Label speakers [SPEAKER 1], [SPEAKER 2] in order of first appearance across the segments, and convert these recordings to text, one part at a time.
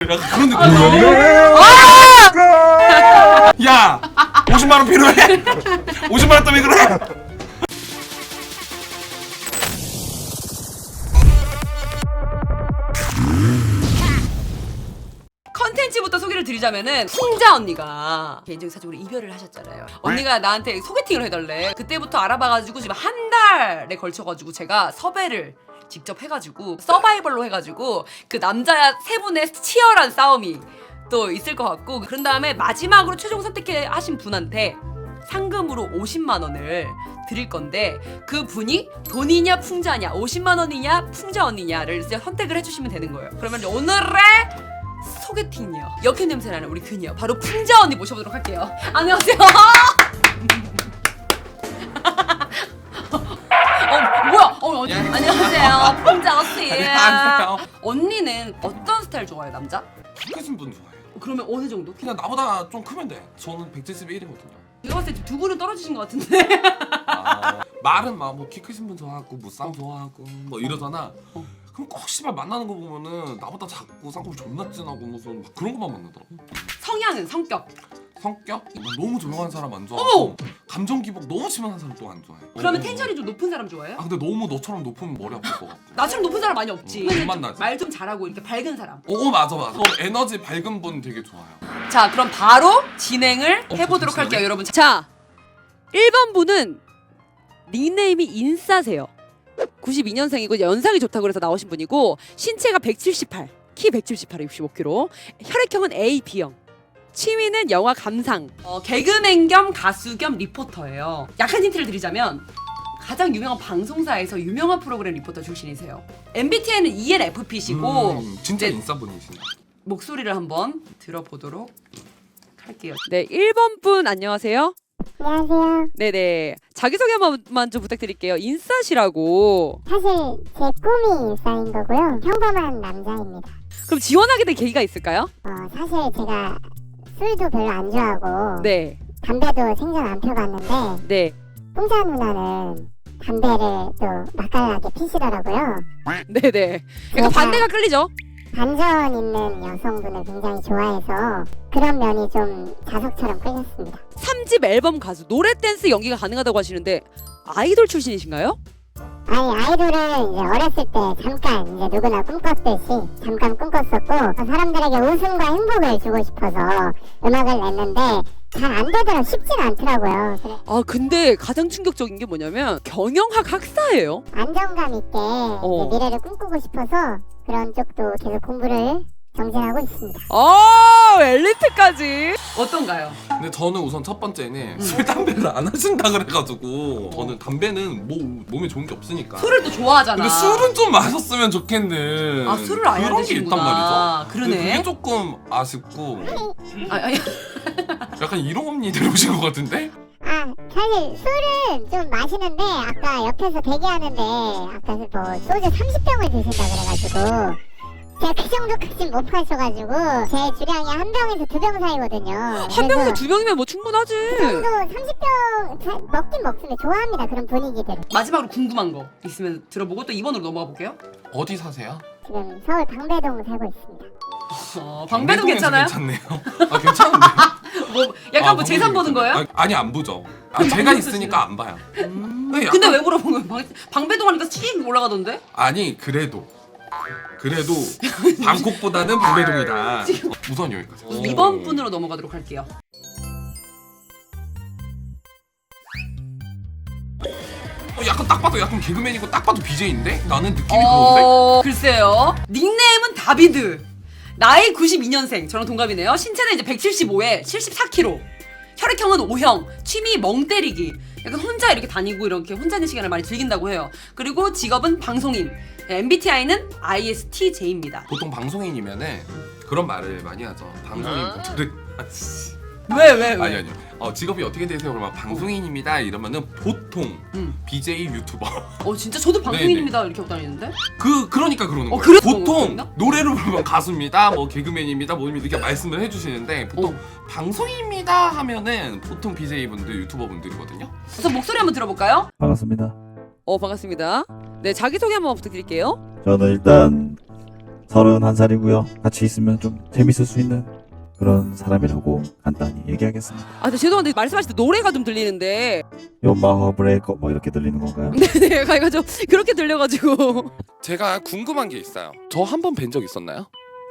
[SPEAKER 1] 약간 그런 느낌. 야 50만 원 필요해? 50만 원 때문에 그래?
[SPEAKER 2] 컨텐츠부터 소개를 드리자면은 풍자 언니가 개인적인 사정으로 이별을 하셨잖아요. 언니가 나한테 소개팅을 해달래. 그때부터 알아봐가지고 지금 한 달에 걸쳐가지고 제가 섭외를 직접 해가지고 서바이벌로 해가지고 그 남자 세 분의 치열한 싸움이 또 있을 것 같고, 그런 다음에 마지막으로 최종 선택하신 분한테 상금으로 50만 원을 드릴 건데, 그 분이 돈이냐 풍자냐, 50만 원이냐 풍자 언니냐를 이제 선택을 해주시면 되는 거예요. 그러면 오늘의 소개팅이요, 역행 냄새나는 우리 그녀 바로 풍자 언니 모셔보도록 할게요. 안녕하세요. 뭐야?
[SPEAKER 1] 예.
[SPEAKER 2] 안녕하세요, 풍자 언니.
[SPEAKER 1] 안녕하세요.
[SPEAKER 2] 언니는 어떤 스타일 좋아해요, 남자?
[SPEAKER 1] 키 크신 분 좋아해요.
[SPEAKER 2] 그러면 어느 정도?
[SPEAKER 1] 그냥 나보다 좀 크면 돼. 저는 171이거든요.
[SPEAKER 2] 제가 봤을 때 두 분은 떨어지신 것 같은데.
[SPEAKER 1] 말은 막 뭐 키 크신 분 좋아하고 뭐 쌍 좋아하고 뭐 이러잖아. 그럼 꼭 씨발 만나는 거 보면은 나보다 작고 쌍꺼풀 존나 진하고 무슨 막 그런 것만 만나더라고.
[SPEAKER 2] 성향은, 성격.
[SPEAKER 1] 성격? 너무 조용한 사람 안 좋아하고
[SPEAKER 2] 어머!
[SPEAKER 1] 감정 기복 너무 심한 사람 또 안 좋아해.
[SPEAKER 2] 그러면 텐션이 좀 높은 사람 좋아해요?
[SPEAKER 1] 아 근데 너무 너처럼 높으면 머리 아플 것 같고.
[SPEAKER 2] 나처럼 높은 사람 많이 없지.
[SPEAKER 1] 못 만나지.
[SPEAKER 2] 말 좀 잘하고 이렇게 밝은 사람.
[SPEAKER 1] 맞아. 에너지 밝은 분 되게 좋아요.
[SPEAKER 2] 자, 그럼 바로 진행을 해보도록
[SPEAKER 1] 잠시만요.
[SPEAKER 2] 할게요, 여러분. 자, 1번 분은 닉네임이 인싸세요. 92년생이고 연상이 좋다고 그래서 나오신 분이고, 신체가 178, 키 178에 65kg, 혈액형은 A, B형. 취미는 영화 감상, 개그맨 겸 가수 겸 리포터예요. 약한 힌트를 드리자면 가장 유명한 방송사에서 유명한 프로그램 리포터 출신이세요. MBTI는 ENFP시고
[SPEAKER 1] 진짜
[SPEAKER 2] 네.
[SPEAKER 1] 인싸분이시네.
[SPEAKER 2] 목소리를 한번 들어보도록 할게요. 네, 1번 분 안녕하세요.
[SPEAKER 3] 안녕하세요.
[SPEAKER 2] 네네, 자기소개 한 번만 좀 부탁드릴게요. 인싸시라고.
[SPEAKER 3] 사실 제 꿈이 일상인 거고요. 평범한 남자입니다.
[SPEAKER 2] 그럼 지원하게 된 계기가 있을까요?
[SPEAKER 3] 사실 제가 술도 별로 안 좋아하고
[SPEAKER 2] 네,
[SPEAKER 3] 담배도 생전 안 펴봤는데
[SPEAKER 2] 네,
[SPEAKER 3] 풍자 누나는 담배를 또 맛깔나게 피시더라고요.
[SPEAKER 2] 네네. 약간 반대가 끌리죠?
[SPEAKER 3] 반전 있는 여성분을 굉장히 좋아해서 그런 면이 좀 자석처럼 끌렸습니다.
[SPEAKER 2] 3집 앨범 가수, 노래 댄스 연기가 가능하다고 하시는데 아이돌 출신이신가요?
[SPEAKER 3] 아니, 아이돌은 이제 어렸을 때 잠깐 이제 누구나 꿈꿨듯이 잠깐 꿈꿨었고 사람들에게 웃음과 행복을 주고 싶어서 음악을 냈는데 잘 안 되더라, 쉽진 않더라고요. 그래,
[SPEAKER 2] 아, 근데 가장 충격적인 게 뭐냐면 경영학 학사예요.
[SPEAKER 3] 안정감 있게 이제 미래를 꿈꾸고 싶어서 그런 쪽도 계속 공부를 정진하고 있습니다.
[SPEAKER 2] 엘리트까지. 어떤가요?
[SPEAKER 1] 근데 저는 우선 첫 번째는 술 담배를 안 하신다 그래가지고 저는 담배는 몸에 좋은 게 없으니까.
[SPEAKER 2] 술을 또 좋아하잖아.
[SPEAKER 1] 근데 술은 좀 마셨으면 좋겠는.
[SPEAKER 2] 아, 술을 아예 안
[SPEAKER 1] 그런 게 있단
[SPEAKER 2] 드시는구나.
[SPEAKER 1] 말이죠.
[SPEAKER 2] 그러네.
[SPEAKER 1] 근데 그게 조금 아쉽고
[SPEAKER 2] 아니.
[SPEAKER 1] 약간 이런 언니 데려오신 것 같은데?
[SPEAKER 3] 사실 술은 좀 마시는데 아까 옆에서 대기하는데 아까 뭐 소주 30병을 드신다 그래가지고 제가 그 정도까진 못 마셔가지고 제 주량이 한 병에서 두 병 사이거든요.
[SPEAKER 2] 한 병에서 두 병이면 뭐 충분하지.
[SPEAKER 3] 그 정도 30병 먹긴 먹습니다. 좋아합니다, 그런 분위기들.
[SPEAKER 2] 마지막으로 궁금한 거 있으면 들어보고 또 2번으로 넘어가 볼게요.
[SPEAKER 1] 어디 사세요?
[SPEAKER 3] 지금 서울 방배동 살고 있습니다.
[SPEAKER 2] 방배동
[SPEAKER 1] 방배동에서
[SPEAKER 2] 괜찮아요?
[SPEAKER 1] 괜찮네요. 괜찮은데요?
[SPEAKER 2] 뭐 약간 뭐 재산 보는 거예요?
[SPEAKER 1] 아니 안 보죠. 제가 있으니까 안 봐요. 근데
[SPEAKER 2] 근데 왜 물어본 거예요? 방배동 하니까 씩 올라가던데?
[SPEAKER 1] 아니 그래도 방콕보다는 방배동이다. 우선 여기까지.
[SPEAKER 2] 2번 분으로 넘어가도록 할게요.
[SPEAKER 1] 약간 딱 봐도 약간 개그맨이고 딱 봐도 BJ인데? 나는 느낌이 그런데?
[SPEAKER 2] 글쎄요. 닉네임은 다비드. 나이 92년생. 저랑 동갑이네요. 신체는 이제 175에 74kg. 혈액형은 O형. 취미 멍 때리기. 약간 혼자 이렇게 다니고 이렇게 혼자 있는 시간을 많이 즐긴다고 해요. 그리고 직업은 방송인. MBTI는 ISTJ입니다.
[SPEAKER 1] 보통 방송인이면은 그런 말을 많이 하죠. 방송인분들은
[SPEAKER 2] 왜?
[SPEAKER 1] 아니요. 직업이 어떻게 되세요? 그러면 방송인입니다. 이러면은 보통 BJ 유튜버.
[SPEAKER 2] 진짜 저도 방송인입니다. 이렇게 하고 다니는데?
[SPEAKER 1] 그러니까 그러는 거예요.
[SPEAKER 2] 그래서
[SPEAKER 1] 보통
[SPEAKER 2] 그런가?
[SPEAKER 1] 노래를 부르면 가수입니다. 뭐 개그맨입니다. 뭐 이렇게 말씀을 해주시는데 보통 방송인입니다 하면은 보통 BJ 분들, 유튜버 분들이거든요.
[SPEAKER 2] 그래서 목소리 한번 들어볼까요?
[SPEAKER 4] 반갑습니다.
[SPEAKER 2] 반갑습니다. 네, 자기소개 한번 부탁드릴게요.
[SPEAKER 4] 저는 일단 31살이고요. 같이 있으면 좀 재밌을 수 있는 그런 사람이라고 간단히 얘기하겠습니다.
[SPEAKER 2] 아, 근데 죄송한데 말씀하실 때 노래가 좀 들리는데.
[SPEAKER 4] 요 마허 브레이커 뭐 이렇게 들리는 건가요?
[SPEAKER 2] 네, 가이가 좀 그렇게 들려가지고.
[SPEAKER 1] 제가 궁금한 게 있어요. 저 한 번 뵌 적 있었나요?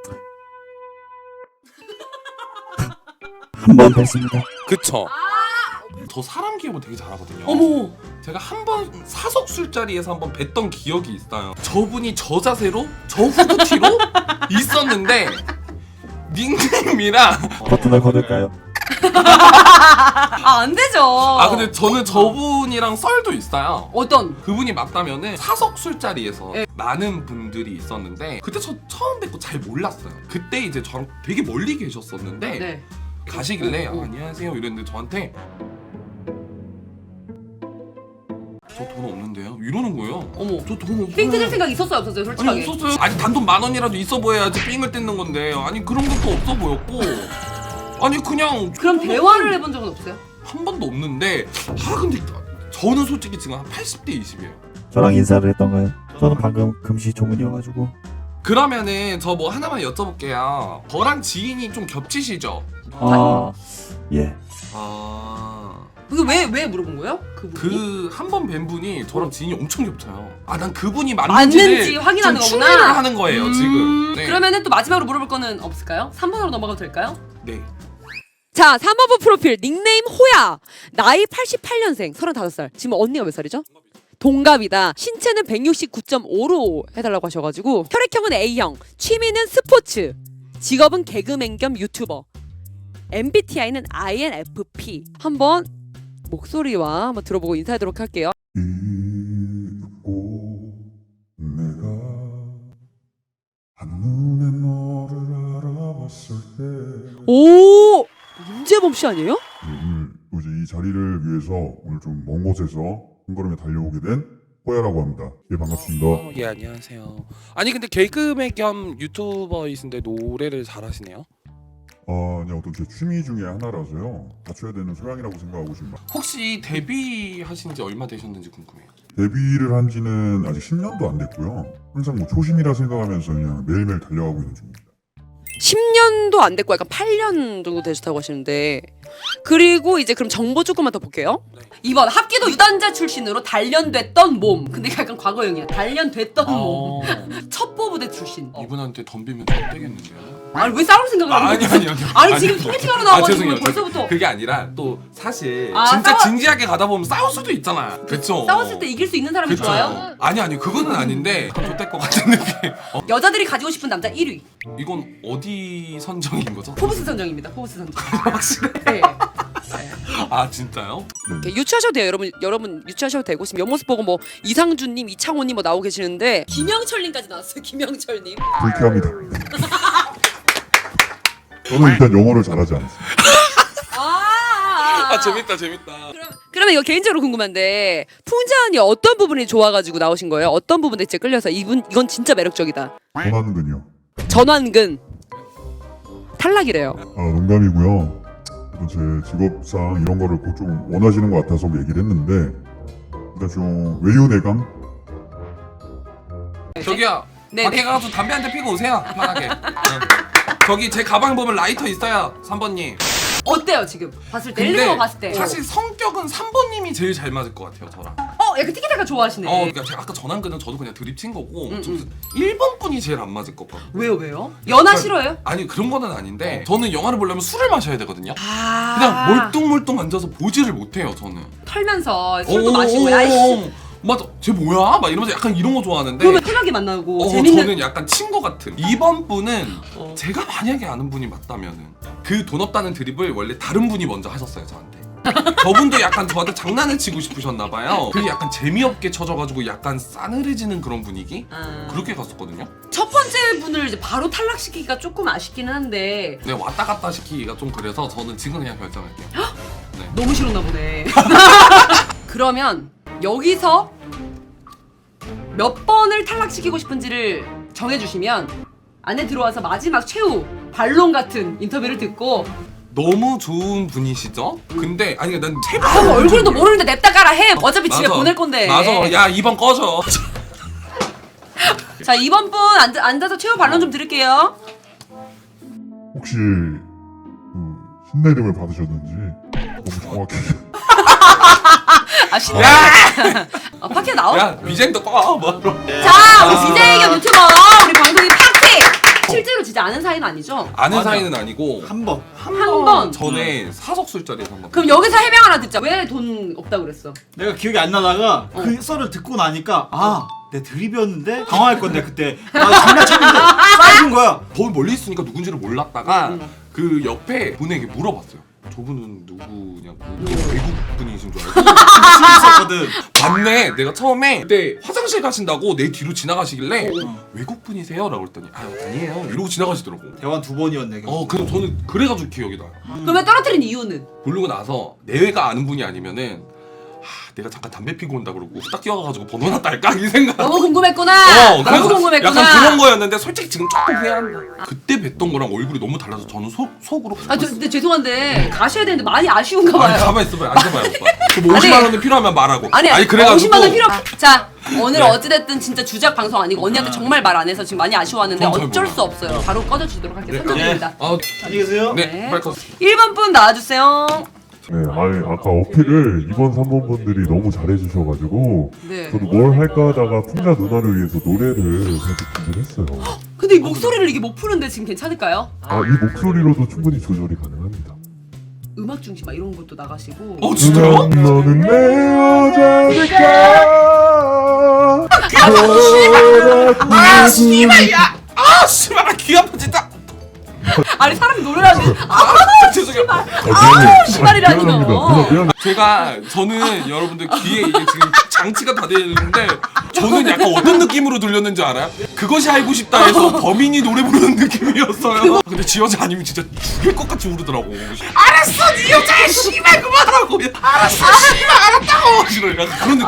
[SPEAKER 4] 한 번 뵀습니다.
[SPEAKER 1] 그쵸. 저 사람 기억을 되게 잘하거든요.
[SPEAKER 2] 어머.
[SPEAKER 1] 제가 한 번 사석 술자리에서 한 번 뵀던 기억이 있어요. 저분이 저 자세로 저 후드티로 있었는데 닉네임이랑
[SPEAKER 4] 버튼을 거둘까요?
[SPEAKER 2] 아, 안 되죠.
[SPEAKER 1] 아 근데 저는 저분이랑 썰도 있어요.
[SPEAKER 2] 어떤?
[SPEAKER 1] 그분이 맞다면은 사석 술자리에서
[SPEAKER 2] 네.
[SPEAKER 1] 많은 분들이 있었는데 그때 저 처음 뵙고 잘 몰랐어요. 그때 이제 저랑 되게 멀리 계셨었는데
[SPEAKER 2] 네.
[SPEAKER 1] 가시길래 아, 안녕하세요 이랬는데 저한테 저 돈 없는데요? 이러는 거예요.
[SPEAKER 2] 어머.
[SPEAKER 1] 저 돈 없어요.
[SPEAKER 2] 삥 뜯을 생각 있었어요, 없었어요, 솔직하게?
[SPEAKER 1] 아니 없었어요. 아니 단돈 10,000원이라도 있어 보여야지 삥을 뜯는 건데 아니 그런 것도 없어 보였고 아니 그냥
[SPEAKER 2] 그럼 대화를 해본 적은 없어요?
[SPEAKER 1] 한 번도 없는데 아 근데 저는 솔직히 지금 한 80대 20이에요.
[SPEAKER 4] 저랑 인사를 했던가요? 저는 방금 금시초문이어가지고.
[SPEAKER 1] 그러면은 저 뭐 하나만 여쭤볼게요. 저랑 지인이 좀 겹치시죠?
[SPEAKER 4] 아, 예.
[SPEAKER 1] 아...
[SPEAKER 2] 그게 왜 물어본 거예요? 그분이?
[SPEAKER 1] 그 한 번 뵌 분이 저랑 지인이 엄청 겹쳐요. 아 난 그분이
[SPEAKER 2] 맞는지
[SPEAKER 1] 맞는지를
[SPEAKER 2] 확인하는
[SPEAKER 1] 좀
[SPEAKER 2] 거구나.
[SPEAKER 1] 추리를 하는 거예요 지금. 네.
[SPEAKER 2] 그러면은 또 마지막으로 물어볼 거는 없을까요? 3번으로 넘어가도 될까요?
[SPEAKER 1] 네.
[SPEAKER 2] 자, 3번부 프로필 닉네임 호야. 나이 88년생 35살. 지금 언니가 몇 살이죠? 동갑이다. 신체는 169.5로 해달라고 하셔가지고 혈액형은 A형, 취미는 스포츠, 직업은 개그맨 겸 유튜버, MBTI는 INFP. 한번 목소리와 한번 들어보고 인사하도록 할게요.
[SPEAKER 5] 잊고 내가 한눈에 너를 알아봤을 때
[SPEAKER 2] 오! 임재범 씨 아니에요?
[SPEAKER 5] 오늘 이제 이 자리를 위해서 오늘 좀 먼 곳에서 한 걸음에 달려오게 된 호야라고 합니다. 예, 반갑습니다.
[SPEAKER 1] 예 안녕하세요. 아니 근데 개그맨 겸 유튜버이신데 노래를 잘하시네요.
[SPEAKER 5] 그냥 어떤 제 취미 중에 하나라서요. 갖춰야 되는 소양이라고 생각하고 지금
[SPEAKER 1] 혹시 데뷔하신 지 얼마 되셨는지 궁금해요.
[SPEAKER 5] 데뷔를 한 지는 아직 10년도 안 됐고요. 항상 뭐 초심이라 생각하면서 그냥 매일매일 달려가고 있는 중입니다.
[SPEAKER 2] 10년도 안 됐고 약간 8년 정도 되셨다고 하시는데 그리고 이제 그럼 정보 조금만 더 볼게요.
[SPEAKER 1] 네.
[SPEAKER 2] 2번 합기도 유단자 출신으로 단련됐던 몸. 근데 약간 과거형이야. 단련됐던 몸. 첩보부대 출신.
[SPEAKER 1] 이분한테 덤비면 안 되겠는데요?
[SPEAKER 2] 아니 왜 싸울 생각을 하는 거야? 아니 지금 소개팅 하러 나와가지고
[SPEAKER 1] 죄송해요.
[SPEAKER 2] 벌써부터
[SPEAKER 1] 그게 아니라 또 사실
[SPEAKER 2] 아,
[SPEAKER 1] 진짜
[SPEAKER 2] 싸워-
[SPEAKER 1] 진지하게 가다 보면 싸울 수도 있잖아요. 그쵸?
[SPEAKER 2] 싸웠을 때 이길 수 있는 사람이
[SPEAKER 1] 그쵸?
[SPEAKER 2] 좋아요?
[SPEAKER 1] 아니 그거는 아닌데 좋될 것 같은 느낌.
[SPEAKER 2] 여자들이 가지고 싶은 남자 1위.
[SPEAKER 1] 이건 어디 선정인 거죠?
[SPEAKER 2] 포브스 선정입니다. 포브스 선정.
[SPEAKER 1] 확실해?
[SPEAKER 2] 네.
[SPEAKER 1] 아 진짜요?
[SPEAKER 2] 이렇게 유추하셔도 돼요. 여러분 유추하셔도 되고 지금 옆모습 보고 뭐 이상준님, 이창호님 뭐 나오고 계시는데 김영철님까지 나왔어요. 김영철님.
[SPEAKER 5] 불쾌합니다. 저는 일단 영어를 잘하지 않습니다.
[SPEAKER 1] 아 재밌다.
[SPEAKER 2] 그러면 이거 개인적으로 궁금한데 풍자 언니 어떤 부분이 좋아가지고 나오신 거예요? 어떤 부분에 진짜 끌려서 이건 진짜 매력적이다.
[SPEAKER 5] 전화는군요.
[SPEAKER 2] 전완근 탈락이래요.
[SPEAKER 5] 농담이고요. 제 직업상 이런 거를 꼭 좀 원하시는 것 같아서 얘기를 했는데 일단 좀 외유내강?
[SPEAKER 1] 저기요.
[SPEAKER 2] 네,
[SPEAKER 1] 밖에
[SPEAKER 2] 네.
[SPEAKER 1] 가서 담배 한 대 피고 오세요. 편하게. 네. 저기 제 가방 보면 라이터 있어요. 3번님.
[SPEAKER 2] 어때요 지금 봤을 때? 1, 2번 봤을 때.
[SPEAKER 1] 사실 성격은 3번님이 제일 잘 맞을 것 같아요 저랑.
[SPEAKER 2] 약간 티키타카 좋아하시네.
[SPEAKER 1] 그러니까 제가 아까 전환근은 저도 그냥 드립 친 거고 1번 분이 제일 안 맞을 것 같고.
[SPEAKER 2] 왜요? 연하 싫어요?
[SPEAKER 1] 아니 그런 거는 아닌데 저는 영화를 보려면 술을 마셔야 되거든요.
[SPEAKER 2] 아.
[SPEAKER 1] 그냥 멀뚱멀뚱 앉아서 보지를 못해요 저는.
[SPEAKER 2] 털면서 술도 마시고 야이씨.
[SPEAKER 1] 맞아 쟤 뭐야? 막 이러면서 약간 이런 거 좋아하는데
[SPEAKER 2] 그러면 편하게 만나고 재밌는.
[SPEAKER 1] 저는 약간 친구 같은 2번 분은 제가 만약에 아는 분이 맞다면은 그 돈 없다는 드립을 원래 다른 분이 먼저 하셨어요 저한테. 저분도 약간 저한테 장난을 치고 싶으셨나봐요. 그게 약간 재미없게 쳐져가지고 약간 싸늘해지는 그런 분위기? 그렇게 갔었거든요.
[SPEAKER 2] 첫 번째 분을 이제 바로 탈락시키기가 조금 아쉽기는 한데
[SPEAKER 1] 네 왔다 갔다 시키기가 좀 그래서 저는 지금 그냥 결정할게요. 네.
[SPEAKER 2] 너무 싫었나 보네. 그러면 여기서 몇 번을 탈락시키고 싶은지를 정해주시면 안에 들어와서 마지막 최후 반론 같은 인터뷰를 듣고
[SPEAKER 1] 너무 좋은 분이시죠? 근데 아니 난 제발
[SPEAKER 2] 얼굴도 모르는데 냅다 깔아 해. 어차피 집에
[SPEAKER 1] 맞아.
[SPEAKER 2] 보낼 건데.
[SPEAKER 1] 맞아. 야 2번 꺼져.
[SPEAKER 2] 자 2번 분 앉아서 최후 반론 좀 드릴게요.
[SPEAKER 5] 혹시 그 신내림을 받으셨는지 너무 정확히
[SPEAKER 2] 아 신나. 파케 나와.
[SPEAKER 1] 야 위쟁도 꺼 뭐.
[SPEAKER 2] 자 우리 BJ 겸 유튜버 우리 방송인 파케. 실제로 진짜 아는 사이는 아니죠?
[SPEAKER 1] 아는 사이는 아니고
[SPEAKER 6] 한 번.
[SPEAKER 2] 한 번.
[SPEAKER 1] 전에 사석 술자리에서 한번.
[SPEAKER 2] 그럼 여기서 해명 하나 듣자. 왜 돈 없다고 그랬어?
[SPEAKER 6] 내가 기억이 안 나다가 그 썰을 듣고 나니까 내 드립이었는데 당황할 건데 그때 장난쳤는데 싸준 거야.
[SPEAKER 1] 거기 멀리 있으니까 누군지를 몰랐다가 그 옆에 분에게 물어봤어요. 저분은 누구냐고. 외국 분이신 줄 알고.
[SPEAKER 6] 있었거든.
[SPEAKER 1] 맞네. 내가 처음에 그때 화장실 가신다고 내 뒤로 지나가시길래 외국 분이세요? 라고 했더니 아니에요. 이러고 지나가시더라고.
[SPEAKER 6] 대화 2번이었네.
[SPEAKER 1] 그래서 저는 그래가지고 기억이 나요.
[SPEAKER 2] 그러면 떨어뜨린 이유는?
[SPEAKER 1] 부르고 나서 내외가 아는 분이 아니면은 내가 잠깐 담배 피고 온다 그러고 딱 뛰어가가지고 번호나 딸까 이 생각.
[SPEAKER 2] 너무 궁금했구나. 너무
[SPEAKER 1] 그래서
[SPEAKER 2] 궁금했구나.
[SPEAKER 1] 약간 그런 거였는데 솔직히 지금 조금 후회한다. 그때 뵀던 거랑 얼굴이 너무 달라서 저는 속으로.
[SPEAKER 2] 근데 죄송한데 가셔야 되는데 많이 아쉬운가 봐요.
[SPEAKER 1] 아니 가만 있어봐요. 앉아봐요 오빠. 뭐 50만 원이 필요하면 말하고.
[SPEAKER 2] 아니
[SPEAKER 1] 그래가지고
[SPEAKER 2] 50만 원 필요. 자 오늘 어찌됐든 진짜 주작 방송 아니고 언니한테 정말 말 안 해서 지금 많이 아쉬워하는데
[SPEAKER 1] 전 잘
[SPEAKER 2] 어쩔
[SPEAKER 1] 몰라요.
[SPEAKER 2] 수 없어요. 바로 꺼져주도록 할게요. 선정입니다.
[SPEAKER 6] 안녕히 계세요.
[SPEAKER 1] 네, 빨리 꺼.
[SPEAKER 2] 1번 분 나와주세요.
[SPEAKER 5] 네, 아니 아까 어필을 2번, 3번 분들이 너무 잘해주셔가지고
[SPEAKER 2] 네.
[SPEAKER 5] 저도 뭘 할까 하다가 풍자 누나를 위해서 노래를 사실 준비를 했어요.
[SPEAKER 2] 근데 이 목소리를 이게 못 푸는데 지금 괜찮을까요?
[SPEAKER 5] 이 목소리로도 충분히 조절이 가능합니다.
[SPEAKER 2] 음악 중심 막 이런 것도 나가시고.
[SPEAKER 1] 진짜요?
[SPEAKER 5] 너는 내 여자니까.
[SPEAKER 1] 씨발 귀 아파 진짜.
[SPEAKER 2] 아니 사람이 노래하는.
[SPEAKER 1] 죄송해요.
[SPEAKER 2] 시발이라니요.
[SPEAKER 5] 미안합니다.
[SPEAKER 1] 저는 여러분들 귀에 이게 지금 장치가 다 되어 있는데 저는 약간 어떤 느낌으로 들렸는지 알아요? 그것이 알고 싶다 해서 범인이 노래 부르는 느낌이었어요. 근데 지 여자 아니면 진짜 죽일 것 같이 우르더라고. 알았어, 네 여자야, 씨발 그만하라고. 알았어, 씨발 알았다고. 이런 약간 그런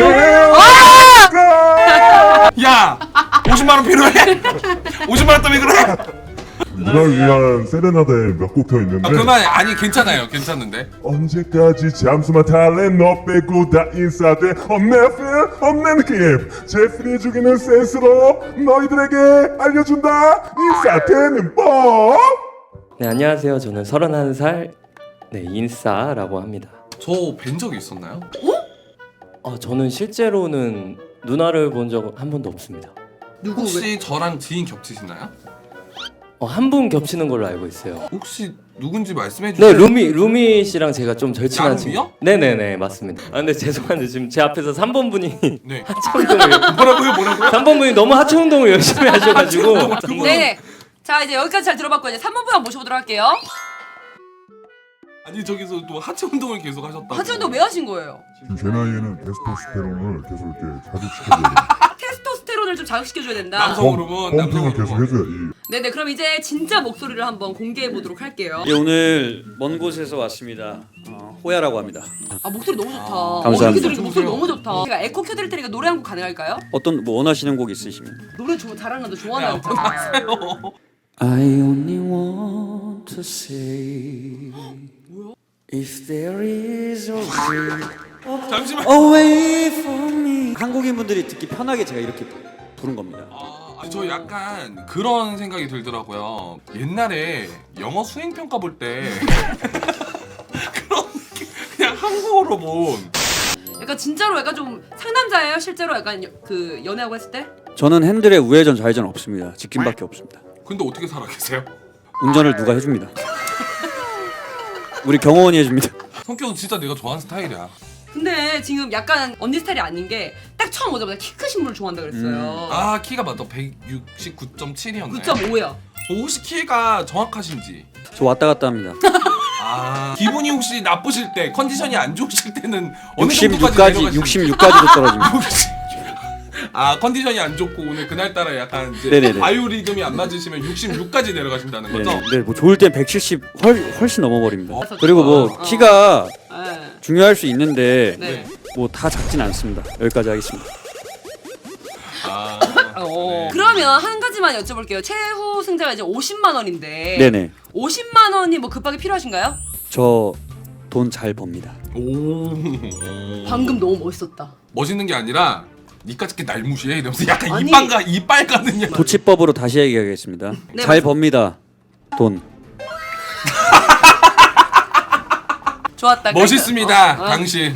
[SPEAKER 1] 느낌. 야, 50만 원 필요해? 50만 원 때문에 그래?
[SPEAKER 5] 누나를 위한 세레나데 몇 곡 더 있는데
[SPEAKER 1] 그만. 아니 괜찮아요, 괜찮은데.
[SPEAKER 5] 언제까지 잠수만 탈래 너 빼고 다 인싸돼 없네 느낌 제프리 죽이는 센스로 너희들에게 알려준다 인싸되는 법.
[SPEAKER 7] 네, 안녕하세요. 저는 31살 인싸라고 합니다.
[SPEAKER 1] 저 뵌 적이 있었나요?
[SPEAKER 7] 저는 실제로는 누나를 본 적은 한 번도 없습니다.
[SPEAKER 2] 누구?
[SPEAKER 1] 혹시 저랑 지인 겹치시나요?
[SPEAKER 7] 한 분 겹치는 걸로 알고 있어요.
[SPEAKER 1] 혹시 누군지 말씀해
[SPEAKER 7] 네,
[SPEAKER 1] 주세요.
[SPEAKER 7] 루미 씨랑 제가 좀 절친한
[SPEAKER 1] 야루미요?
[SPEAKER 7] 친구. 네네네, 맞습니다. 근데 죄송한데 지금 제 앞에서 3번 분이
[SPEAKER 1] 네.
[SPEAKER 7] 하체 운동을
[SPEAKER 1] 뭐라고요?
[SPEAKER 7] 3번 분이 너무 하체 운동을 열심히 하셔가지고
[SPEAKER 2] 네. 자 이제 여기까지 잘 들어봤고 이제 3번 분 한번 모셔보도록 할게요.
[SPEAKER 1] 아니 저기서 또 하체 운동을 계속 하셨다고.
[SPEAKER 2] 하체 운동 왜 하신 거예요?
[SPEAKER 5] 지금 제 나이에는 테스토스테론을 계속 이렇게 자극시켜줘야 돼.
[SPEAKER 2] 테스토스테론을 좀 자극시켜줘야 된다.
[SPEAKER 1] 남성 호르몬, 남성
[SPEAKER 5] 펌핑을 계속
[SPEAKER 1] 호르몬.
[SPEAKER 5] 해줘야지.
[SPEAKER 2] 네네 그럼 이제 진짜 목소리를 한번 공개해 보도록 할게요.
[SPEAKER 8] 예, 오늘 먼 곳에서 왔습니다. 호야라고 합니다.
[SPEAKER 2] 아 목소리 너무 좋다.
[SPEAKER 8] 감사합니다.
[SPEAKER 2] 이렇게 들으니까 목소리 너무 좋다. 제가 에코 켜드릴 테니까 노래 한 곡 가능할까요?
[SPEAKER 8] 어떤 뭐 원하시는 곡 있으시면.
[SPEAKER 2] 노래 잘하는 거
[SPEAKER 1] 네,
[SPEAKER 2] 좋아하는
[SPEAKER 1] 한번
[SPEAKER 2] 거.
[SPEAKER 1] 하세요.
[SPEAKER 8] I only want to say if there is a way
[SPEAKER 1] 잠시만.
[SPEAKER 8] away from me. 한국인 분들이 듣기 편하게 제가 이렇게 부른 겁니다.
[SPEAKER 1] 저 약간 그런 생각이 들더라고요. 옛날에 영어 수행 평가 볼 때 그런 느낌, 그냥 한국어로 본.
[SPEAKER 2] 약간 진짜로 약간 좀 상남자예요? 실제로 약간 그 연애하고 했을 때?
[SPEAKER 8] 저는 핸들에 우회전 좌회전 없습니다. 직진밖에 없습니다.
[SPEAKER 1] 근데 어떻게 살아 계세요?
[SPEAKER 8] 운전을 누가 해줍니다. 우리 경호원이 해줍니다.
[SPEAKER 1] 성격은 진짜 내가 좋아하는 스타일이야.
[SPEAKER 2] 근데 지금 약간 언니 스타일이 아닌 게 딱 처음 오자마자 키 크신 분을 좋아한다 그랬어요.
[SPEAKER 1] 키가 맞다. 169.7이었나요?
[SPEAKER 2] 9.5요.
[SPEAKER 1] 혹시 키가 정확하신지.
[SPEAKER 8] 저 왔다 갔다 합니다.
[SPEAKER 1] 기분이 혹시 나쁘실 때, 컨디션이 안 좋으실 때는 어느 정도까지
[SPEAKER 8] 66까지도 떨어집니다.
[SPEAKER 1] 컨디션이 안 좋고 오늘 그날따라 약간 이제
[SPEAKER 8] 네네네.
[SPEAKER 1] 바이오리듬이 안 맞으시면 66까지 내려가신다는 거죠?
[SPEAKER 8] 네, 뭐 좋을 땐 170 훨씬 넘어버립니다.
[SPEAKER 1] 어?
[SPEAKER 8] 그리고 뭐 키가
[SPEAKER 2] 네.
[SPEAKER 8] 중요할 수 있는데
[SPEAKER 2] 네.
[SPEAKER 8] 뭐 다 작진 않습니다. 여기까지 하겠습니다.
[SPEAKER 1] 네.
[SPEAKER 2] 그러면 한 가지만 여쭤볼게요. 최후 승자가 이제 50만 원인데
[SPEAKER 8] 네네.
[SPEAKER 2] 50만 원이 뭐 급하게 필요하신가요?
[SPEAKER 8] 저 돈 잘 법니다.
[SPEAKER 1] 오.
[SPEAKER 2] 방금 너무 멋있었다.
[SPEAKER 1] 멋있는 게 아니라 니까짓게 날 무시해 이러면서 약간
[SPEAKER 2] 아니.
[SPEAKER 1] 이빨 가는
[SPEAKER 8] 도치법으로 다시 얘기하겠습니다.
[SPEAKER 2] 네,
[SPEAKER 8] 잘
[SPEAKER 2] 맞습니다.
[SPEAKER 8] 법니다. 돈.
[SPEAKER 2] 좋았다.
[SPEAKER 1] 멋있습니다
[SPEAKER 2] 어.
[SPEAKER 1] 당신.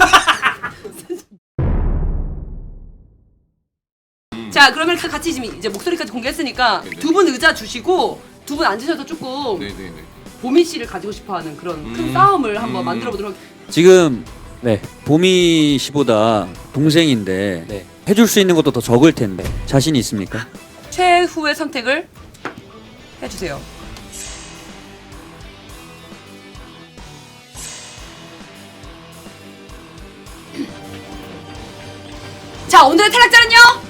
[SPEAKER 2] 자 그러면 같이 지금 이제 목소리까지 공개했으니까
[SPEAKER 1] 네네.
[SPEAKER 2] 두 분 의자 주시고 두 분 앉으셔서 조금
[SPEAKER 1] 네네네.
[SPEAKER 2] 보미 씨를 가지고 싶어하는 그런 큰 싸움을 한번 만들어 보도록.
[SPEAKER 8] 지금
[SPEAKER 7] 네.
[SPEAKER 8] 보미 씨보다 동생인데
[SPEAKER 7] 네.
[SPEAKER 8] 해줄 수 있는 것도 더 적을 텐데 자신 있습니까?
[SPEAKER 2] 최후의 선택을 해주세요. 자 오늘의 탈락자는요.